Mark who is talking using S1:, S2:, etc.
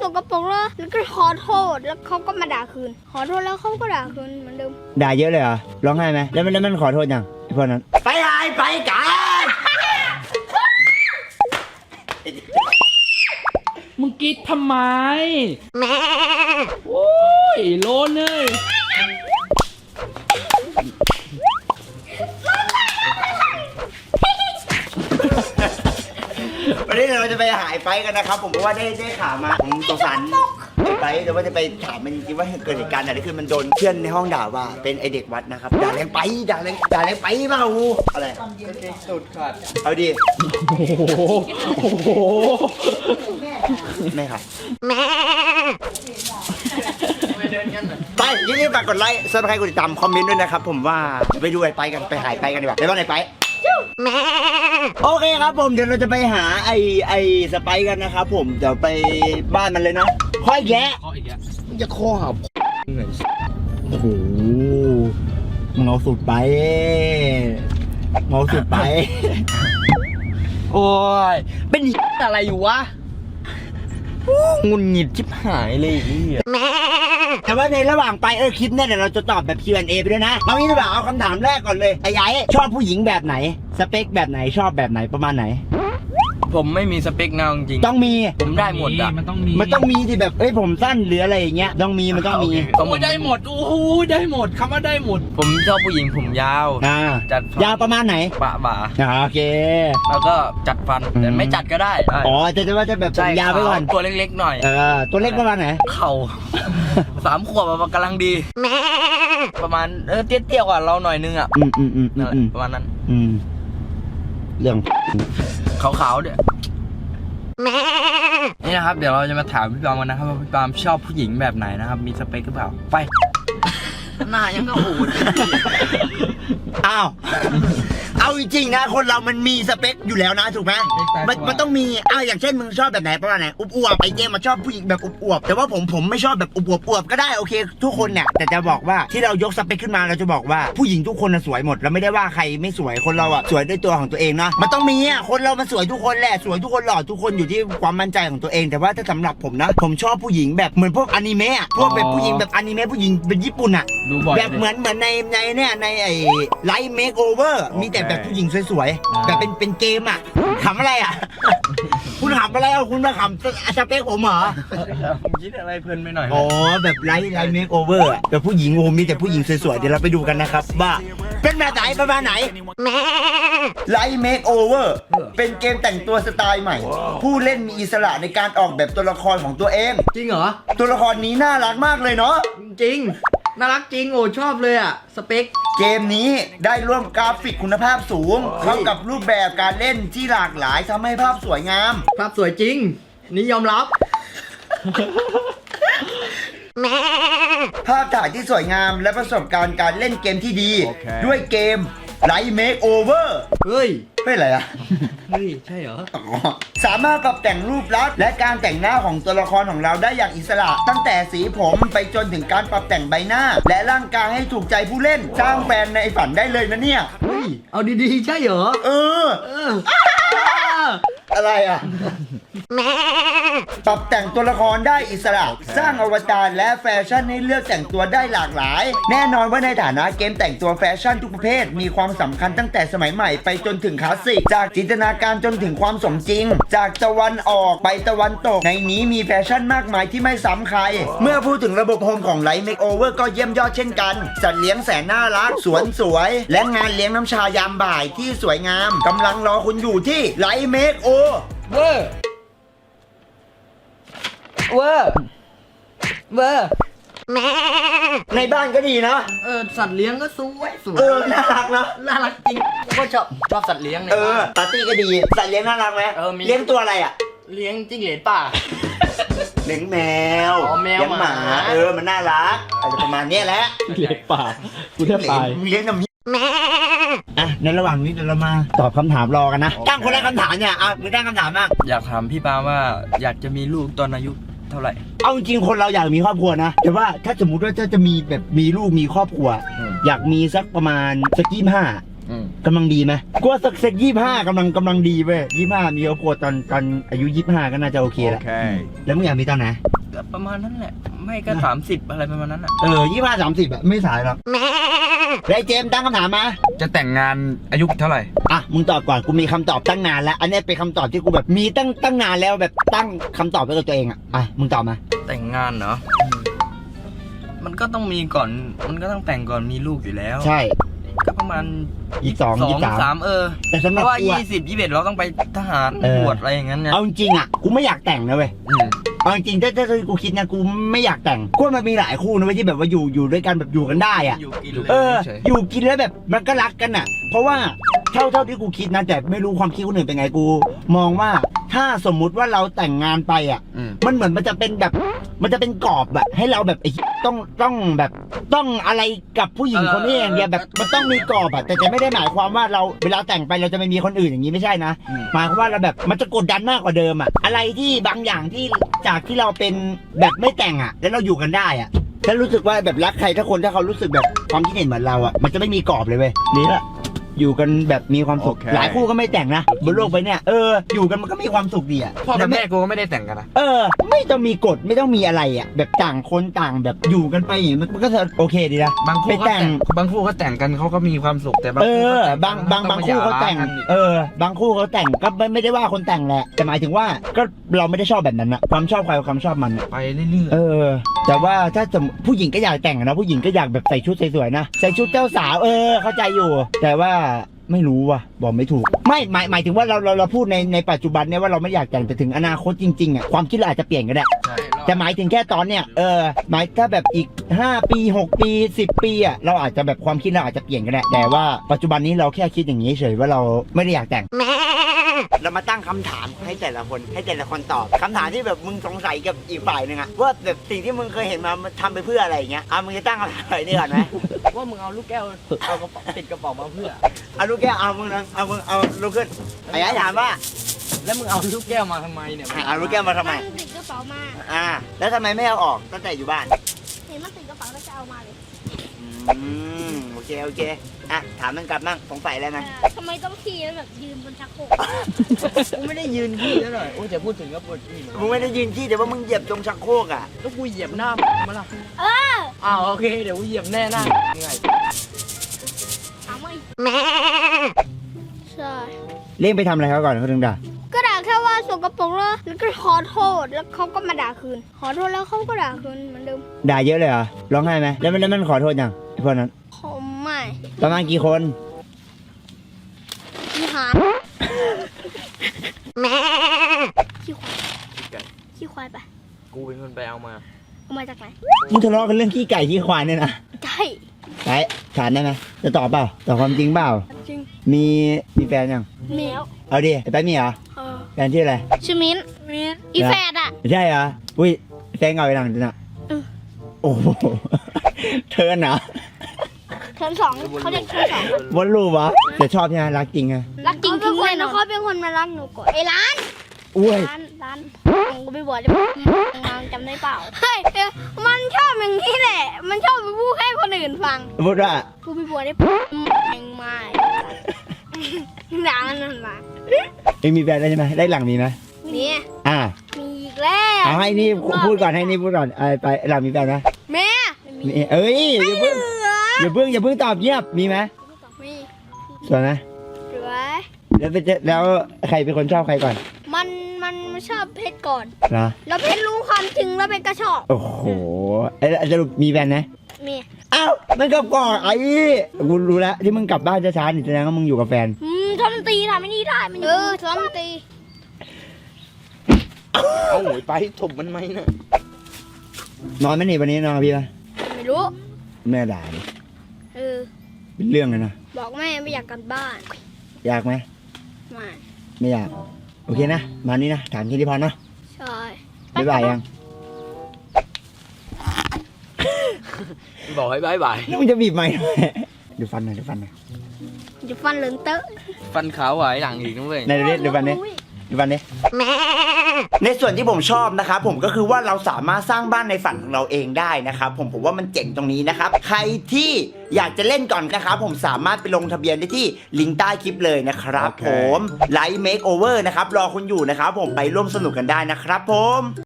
S1: กปรกแล้วก็ขอโทษแล้วเขาก็มาด่าคืนขอโทษแล้วเขาก็ด่าคืนเหมือนเดิม
S2: ด่าเยอะเลยเหรอร้องไห้ไหมแล้วมันขอโทษยังไอ้พวกนั้นไปหายไปกัน
S3: มึงกิ๊ดทำไมโอ้ยโลนเลย
S2: วันนี้เราจะไปหายไปกันนะครับผมเพราะว่าได้ข่าวมาผมสงสารไปแต่ว่าจะไปถามมันจริงๆว่าเกิดเหตุการณ์อะไรขึ้นมันโดนเพื่อนในห้องด่าว่าเป็นไอเด็กวัดนะครับด่าแรงไปด่าแรงไปเปล่าอะไรสุดขาดเอาดิ
S3: โอ้โห
S2: ไม่ครับไปยินดีฝากกดไลค์ซับสไครต์กดติดตามคอมเมนต์ด้วยนะครับผมว่าไปดูไปกันไปหายไปกันดีกว่าไปบ้านไหนไปโอเคครับผมเดี๋ยวเราจะไปหาไอสไปกันนะครับผมเดี๋ยวไปบ้านมันเลยนะข้ออีกแล้วจะข้อหับโอ้โหมึงเอาสุดไป
S3: โอ้ยเป็นอะไรอยู่วะงุนหงิดชิบหายเลย
S2: แต่ว่าในระหว่างไปคลิปเนี่ยเดี๋ยวเราจะตอบแบบ Q&A ไปด้วยนะเอางี้ดีกว่าเอาคำถามแรกก่อนเลยไอ้ชอบผู้หญิงแบบไหนสเปคแบบไหนชอบแบบไหนประมาณไหน
S3: ผมไม่มีสเปคแนวจริง
S2: ต้องมี
S3: ผมได้หมดอ่ะมันต้อง
S2: มีที่แบบผมสั้นหรืออะไรอย่างเงี้ยต้องมีมันต้องมี
S3: ผมได้หมดโอ้โหได้หมดคำว่าได้หมดผมชอบผู้หญิงผมยาว
S2: จัดยาวประมาณไหน
S3: บ่า
S2: โอเค
S3: แล้วก็จัดฟันแต่ไม่จัดก็ได้
S2: อ๋อจะว่าจะแบบยาวไปก่อน
S3: ตัวเล็กๆหน่อย
S2: ตัวเล็กประมาณไหน
S3: เข่า3 ขวบกำลังดีประมาณเตี้ยกว่าเราหน่อยนึงอ่ะประมาณนั้น
S2: เรื่อง
S3: ขาวๆเนี่ยนี่นะครับเดี๋ยวเราจะมาถามพี่ปามกันนะครับว่าพี่ปามชอบผู้หญิงแบบไหนนะครับมีสเปคหรือเปล่าไปหน้ายังก็อูด
S2: อ้าวเอาจริงๆนะคนเรามันมีสเปคอยู่แล้วนะถูกไหมมันต้องมีอย่างเช่นมึงชอบแบบไหนประมาณไหนอวบไปเจมมาชอบผู้หญิงแบบอวบแต่ว่าผมไม่ชอบแบบอวบก็ได้โอเคทุกคนเนี่ยแต่จะบอกว่าที่เรายกสเปคขึ้นมาเราจะบอกว่าผู้หญิงทุกคนสวยหมดเราไม่ได้ว่าใครไม่สวยคนเราสวยด้วยตัวของตัวเองนะมันต้องมีคนเรามันสวยทุกคนแหละสวยทุกคนหล่อทุกคนอยู่ที่ความมั่นใจของตัวเองแต่ว่าถ้าสำหรับผมนะผมชอบผู้หญิงแบบเหมือนพวกอนิเมะพวกแบบผู้หญิงแบบอนิเมะผู้หญิงเป็นญี่ปุ่นแบบเหมือนในเนี่ยในไอ้ไลท์เมคโอเวอร์มีแต่แบบผู้หญิงสวยๆแบบเป็นเกมขำอะไรคุณขำอะไรคุณมาขำสเปคผมเหรอ
S3: ผมคิดอะไรเพลินไปหน่อย
S2: อ๋อแบบไลท์เมคโอเวอร์แบบผู้หญิงมีแต่ผู้หญิงสวยๆเดี๋ยวเราไปดูกันนะครับว่าเป็นแบบไหนประมาณไหนไลท์เมคโอเวอร์เป็นเกมแต่งตัวสไตล์ใหม่ผู้เล่นมีอิสระในการออกแบบตัวละครของตัวเอง
S3: จริงเหรอ
S2: ตัวละครนี้น่ารักมากเลยเนาะ
S3: จริงน่ารักจริงโอ้ชอบเลยสเปค
S2: เกมนี้ได้ร่วมกราฟิกคุณภาพสูงเข้ากับรูปแบบการเล่นที่หลากหลายทำให้ภาพสวยงาม
S3: ภาพสวยจริงนี่ยอมรับ
S2: ภาพถ่ายที่สวยงามและประสบการณ์การเล่นเกมที่ดีด้วยเกมไลท์เมคโอเวอร์
S3: เฮ้ย
S2: อะไร
S3: เฮ้ยใช่เหรอ
S2: สามารถปรับแต่งรูปลักษณ์และการแต่งหน้าของตัวละครของเราได้อย่างอิสระตั้งแต่สีผมไปจนถึงการปรับแต่งใบหน้าและร่างกายให้ถูกใจผู้เล่นสร้างแฟนในฝันได้เลยนะเนี่ย
S3: เฮ้ยเอาดีๆใช่เหรอ
S2: อะไรปรับแต่งตัวละครได้อิสระสร้างอวตารและแฟชั่นให้เลือกแต่งตัวได้หลากหลายแน่นอนว่าในฐานะเกมแต่งตัวแฟชั่นทุกประเภทมีความสำคัญตั้งแต่สมัยใหม่ไปจนถึงคลาสสิกจากจินตนาการจนถึงความสมจริงจากตะวันออกไปตะวันตกในนี้มีแฟชั่นมากมายที่ไม่ซ้ำใครเมื่อพูดถึงระบบโฮมของไลท์เมคโอเวอร์ก็เยี่ยมยอดเช่นกันสัตว์เลี้ยงแสนน่ารักสวนสวยและงานเลี้ยงน้ำชายามบ่ายที่สวยงามกำลังรอคุณอยู่ที่ไลท์เมคโอเวอร์ในบ้านก็ดีนะ
S3: สัตว์เลี้ยงก็สวย
S2: น่ารักนะ
S3: น่ารักจริงก็ชอบสัตว์เลี้ยงเนี่ย
S2: ปาร์ตี้ก็ดีสัตว์เลี้ยงน่ารักไหมเลี้ยงตัวอะไร
S3: เลี้ยงจิ้งเหลนป่า
S2: เลี้ยงแมวเลี้ยงหมามันน่ารักอะไรประมาณนี้แหละ
S3: เลี้ยงป่ากูแทบตาย
S2: เลี้ยงน้ำในระหว่างนี้เดี๋ยวเรามาตอบคำถามรอกันนะตั้งคนแรกคำถามเนี่ยมึงตั้งคำถามบ้าง
S3: อยากถามพี่ปาว่าอยากจะมีลูกตอนอายุเท่าไหร่
S2: เอาจริงคนเราอยากมีครอบครัวนะแต่ว่าถ้าสมมุติว่าจะมีแบบมีลูกมีครอบครัวอยากมีสักประมาณสัก25กำลังดีไหมกลัวสัก25กำลังดีเว้ย25มีครอบครัวตอนอายุ25ก็น่าจะโอเคแล้วแล้วมึงอยากมีตอนไหน
S3: ก็ประมาณนั้นแหละ ไม่ก็30อะไรประมาณนั้นอ่ะ
S2: 25-30อะไม่สายหรอกแล้วไอ้เจมส์ตั้งคำถามมา
S4: จะแต่งงานอายุเท่าไหร่
S2: อ่ะมึงตอบก่อนกูมีคำตอบตั้งนานแล้วอันนี้เป็นคำตอบที่กูแบบมีตั้งนานแล้วแบบตั้งคำตอบไว้กับตัวเองอ่ะมึงตอบมา
S3: แต่งงานเนาะมันก็ต้องมีก่อนมันก็ต้องแต่งก่อนมีลูกอยู่แล้ว
S2: ใช่
S3: ก็ประมาณ
S2: 23 แต่สำห
S3: เพ
S2: รับ
S3: ราะว่า
S2: กูอะ
S3: 20-21เราต้องไปทหารบวชอะไรอย่างนั้นเนี่ย
S2: เอาจริงๆอ่ะกูไม่อยากแต่งนะเว้ยเอาจริงๆถ้ากูคิดนะกูไม่อยากแต่งกูว่ามันมีหลายคู่นะเว้ยที่แบบว่าอยู่ด้วยกันแบบอยู่กันได้อ่ะ
S3: อยู่กินเลย
S4: เฉย
S2: อยู่กินแล้วแบบมันก็รักกันอ่ะ เพราะว่าเท่าที่กูคิดนะแต่ไม่รู้ความคิดคนอื่นเป็นไงกู มองว่าถ้าสมมุติว่าเราแต่งงานไปอ่ะ มันเหมือนมันจะเป็นแบบมันจะเป็นกรอบแบบให้เราแบบไอ้ต้องแบบต้องอะไรกับผู้หญิงคนนี้อย่างเดียวแบบมันต้องมีกรอบอ่ะแต่จะไม่ได้หมายความว่าเราเวลาแต่งไปเราจะไม่มีคนอื่นอย่างนี้ไม่ใช่นะหมายความว่าเราแบบมันจะกดดันมากกว่าเดิมอ่ะอะไรที่บางอย่างที่จากที่เราเป็นแบบไม่แต่งอ่ะแล้วเราอยู่กันได้อ่ะฉันรู้สึกว่าแบบรักใครถ้าคนถ้าเขารู้สึกแบบความคิดเห็นเหมือนเราอ่ะมันจะไม่มีกรอบเลยเว้ยนี่แหละอยู่กันแบบมีความสุข
S4: โอเค
S2: หลายคู่ก็ไม่แต่งนะบนโลกไปเนี่ยอยู่กันมันก็มีความสุขดีอ่ะ
S4: พ่อกับแม่กูก็ไม่ได้แต่งกันนะ
S2: ไม่ต้องมีกฎไม่ต้องมีอะไรอ่ะแบบต่างคนต่างแบบอยู่กันไปอย่างนี้มันก็จะโอเคดีนะ
S4: บางคู่
S2: ไป
S4: ก็
S2: แต่
S4: แต่
S2: ง
S4: งบางคู่ก็แต่งกันเขาก็มีความสุขแต่บาง
S2: เอ
S4: คู่
S2: อ
S4: ก็แต่ง
S2: บางคู่เขาแต่งบางคู่เขาแต่งก็ไม่ได้ว่าคนแต่งแหละแต่หมายถึงว่าก็เราไม่ได้ชอบแบบนั้นอะความชอบใครความชอบมันอะ
S4: ไปเรื่อย
S2: แต่ว่าถ้าผู้หญิงก็อยากแต่งอะนะผู้หญิงก็อยากแบบใส่ชุดสวยๆนะใส่ชุดเจ้าสาวเข้าใจอยู่ แต่ว่าไม่รู้ว่ะบอกไม่ถูกไม่หมายถึงว่าเราพูดในปัจจุบันเนี่ยว่าเราไม่อยากแต่งแต่ถึงอนาคตจริงๆอะความคิดเราอาจจะเปลี่ยนก็ได้
S4: ๆใช่
S2: แต่หมายถึงแค่ตอนเนี้ยหมายถ้าแบบอีก5 ปี6 ปี10 ปีอ่ะเราอาจจะแบบความคิดเราอาจจะเปลี่ยนก็ได้แต่ว่าปัจจุบันนี้เราแค่คิดอย่างนี้เฉยว่าเราไม่ได้อยากแต่งเรามาตั้งคำถามให้แต่ละคนตอบคำถามที่แบบมึงสงสัยกับอีกฝ่ายหนึ่งอะว่าแบบสิ่งที่มึงเคยเห็นมาทำไปเพื่ออะไรอย่างเงี้ยมึงจะตั้งคำถามอะไรนี่ก่อนไหม
S3: ว่ามึงเอาลูกแก้วเอากระเป๋าติดกระเป๋ามาเพื่อ
S2: เอาลูกแก้วเอามึงเอาลูกขึ้นไอ้ถามว่า
S3: แล้วมึงเอาลูกแก้วมาทำไมเนี่ย
S2: เอาลูกแก้วมาทำไม
S1: มันติดกระเป๋ามา
S2: แล้วทำไมไม่เอาออกตั้งแต่อยู่บ้าน
S1: เห็นมันติดกระเป๋าแล้วจะเอามาเลย
S2: โอเคถามมันกลับมั่งสงสัยอะไรไหม
S1: ทำไมต้องขี่แล้วแบบยืนบนชักโครก
S3: กูไม่ได้ยืนขี้แล้วหน่อยโอ้ยแต่พูดถึงก็ปวดขี้เหมือน
S2: มึงไม่ได้ยืนที่แต่ว่ามึงเหยียบตรงชักโครกอ่ะ
S3: แล้วกูเหยียบหน้ามาละอ้าวโอเคเดี๋ยวกูเหยียบแน่หน้ายังไง
S1: ถามว่าอีกใช่
S2: เล่งไปทำอะไรเขาก่อนเขาถึงด่า
S1: ก็ด่าแค่ว่าสกปรกแล้วก็ขอโทษแล้วเขาก็มาด่าคืน ขอโทษแล้วเขาก็ด่าคืนเหมือนเดิม
S2: ด่าเยอะเลยเหรอร้องไห้ไหมแล้วมันขอโทษยังไอ้พวกนั้น
S1: ผมไม่
S2: ประมาณกี่คน
S1: ขี้หานขี้ควายไป
S3: กูเป็นคนไปเอามา
S1: เอามาจากไหน
S2: มึงทะเลาะกันเรื่องขี้ไก่ขี้ควายเนี่ยนะ
S1: ใช่
S2: ไอ้ถามได้ไหมจะตอบเปล่าตอบความจริงเปล่า
S1: จริง
S2: มีแฟนยัง
S1: มีแล้ว
S2: เอาดิไอ้แป๊บมีเหรอแฟนชื่ออะไร
S1: ชื่อมิ้นอีแฟดอ่ะ
S2: ใช่เหรออุ้ยแฟนเก่าไปหลังจริงอ่ะโอ้โหเธอน่ะ
S1: เทอม2เขาเรียกเทอม2
S2: วนรูปวะแต่ชอบใช่ไหมรักจริงไง
S1: รักจริงทิ้งแน่นอนเขาเป็นคนมารักหนูก่อนไอ้ร้าน
S2: อุ้ย
S1: ร้านผมก็ไปบวชได้จำได้เปล่าเฮ้ยมันชอบอย่างนี้แหละ มันชอบไปพูดให้คนอื่นฟัง
S2: พูดว่า
S1: กูไปบวชได้เองไม่ด่ามันมา
S2: เองมีแฟนแล้วใช่ไหมได้หลังมีไหม
S1: เนี่ย มีอีกแล้ว
S2: เอาให้นี่พูดก่อนไปหลังมีแฟนนะ
S1: แม่
S2: มีเอ้ยอย่าเพิ่งตอบเงียบมีไหม
S1: มี
S2: สวยไหม
S1: สวย
S2: แล้วใครเป็นคนชอบใครก่อน
S1: มันชอบเพชรก่อน
S2: นะ
S1: แล้วเพชรรู้ความจริงแล้วเพชรก็ชอบ
S2: โอ้โหสรุปมีแฟนนะ
S1: มี
S2: อ้าวมันกับก่อนไอ้กูรู้แล้วที่มึงกลับบ้านช้าๆนี่แสดงว่ามึงอยู่กับแฟน
S1: ทำตีทำไม่นี่ได้มันทำตี
S3: เอาหวยไปถมมันไหมนะ
S2: นอนไหมนี่วันนี้นอนกับพี่ปะ
S1: ไม่รู้
S2: แม่ด่าดิ เป็นเรื่องเลยนะ
S1: บอกแม่ไม่อยากกลับบ้าน
S2: อยากไหม
S1: ไม่
S2: ไม่อยากโอเคนะมานี่นะถามแค่นี้พอเนาะ
S1: ใช่
S2: บ๊ายบายยัง
S3: บอกให้บายบาย
S2: แล้วมึงจะบีบไหมค์ทำไมดูฟันหน่อย
S1: จะฟันเหลืองเตอะ
S3: ฟันขาวไหวหลังอีกนะเว้ย
S2: ไหนดูฟันนี้ดูฟันนี้ในส่วนที่ผมชอบนะครับผมก็คือว่าเราสามารถสร้างบ้านในฝันของเราเองได้นะครับผมว่ามันเจ๋งตรงนี้นะครับใครที่อยากจะเล่นก่อนนะครับผมสามารถไปลงทะเบียนได้ที่ลิงก์ใต้คลิปเลยนะครับผมไลฟ์เมคโอเวอร์นะครับรอคุณอยู่นะครับผมไปร่วมสนุกกันได้นะครับผม